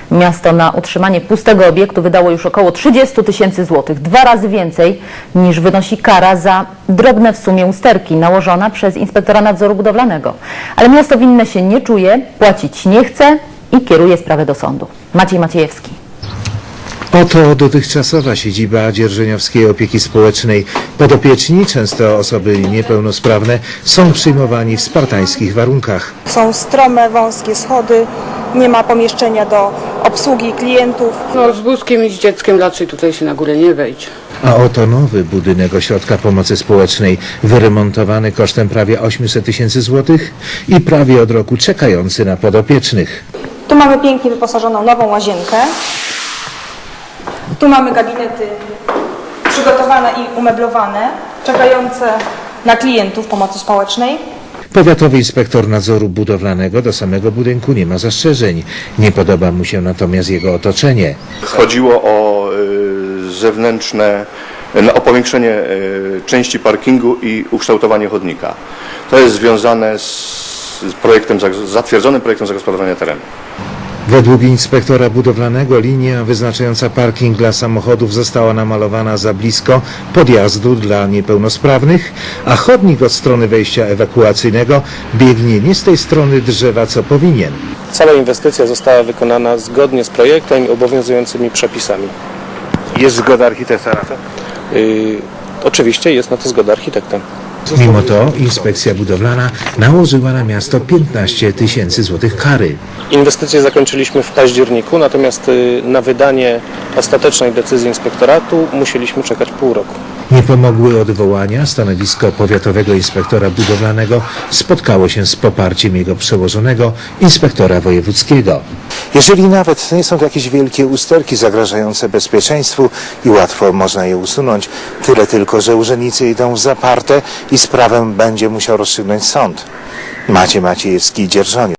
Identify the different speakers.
Speaker 1: Miasto na utrzymanie pustego obiektu wydało już około 30 000 złotych, 2 razy więcej niż wynosi kara za drobne w sumie usterki nałożona przez inspektora nadzoru budowlanego. Ale miasto winne się nie czuje, płacić nie chce i kieruje sprawę do sądu. Maciej Maciejewski.
Speaker 2: Oto dotychczasowa siedziba Dzierżoniowskiej Opieki Społecznej. Podopieczni, często osoby niepełnosprawne, są przyjmowani w spartańskich warunkach.
Speaker 3: Są strome, wąskie schody, nie ma pomieszczenia do obsługi klientów.
Speaker 4: No, z wózkiem i z dzieckiem raczej tutaj się na górę nie wejdzie.
Speaker 2: A oto nowy budynek Ośrodka Pomocy Społecznej, wyremontowany kosztem prawie 800 000 złotych i prawie od roku czekający na podopiecznych.
Speaker 3: Tu mamy pięknie wyposażoną nową łazienkę. Tu mamy gabinety przygotowane i umeblowane, czekające na klientów pomocy społecznej.
Speaker 2: Powiatowy inspektor nadzoru budowlanego do samego budynku nie ma zastrzeżeń. Nie podoba mu się natomiast jego otoczenie.
Speaker 5: Chodziło o zewnętrzne, o powiększenie części parkingu i ukształtowanie chodnika. To jest związane z zatwierdzonym projektem zagospodarowania terenu.
Speaker 2: Według inspektora budowlanego linia wyznaczająca parking dla samochodów została namalowana za blisko podjazdu dla niepełnosprawnych, a chodnik od strony wejścia ewakuacyjnego biegnie nie z tej strony drzewa, co powinien.
Speaker 6: Cała inwestycja została wykonana zgodnie z projektem i obowiązującymi przepisami.
Speaker 2: Jest zgoda architekta na to?
Speaker 6: Oczywiście jest na to zgoda architekta.
Speaker 2: Mimo to inspekcja budowlana nałożyła na miasto 15 000 złotych kary.
Speaker 6: Inwestycję zakończyliśmy w październiku, natomiast na wydanie ostatecznej decyzji inspektoratu musieliśmy czekać pół roku.
Speaker 2: Nie pomogły odwołania. Stanowisko powiatowego inspektora budowlanego spotkało się z poparciem jego przełożonego, inspektora wojewódzkiego.
Speaker 7: Jeżeli nawet nie są to jakieś wielkie usterki zagrażające bezpieczeństwu i łatwo można je usunąć, tyle tylko, że urzędnicy idą w zaparte i sprawę będzie musiał rozstrzygnąć sąd. Maciej Maciejewski, Dzierżoniów.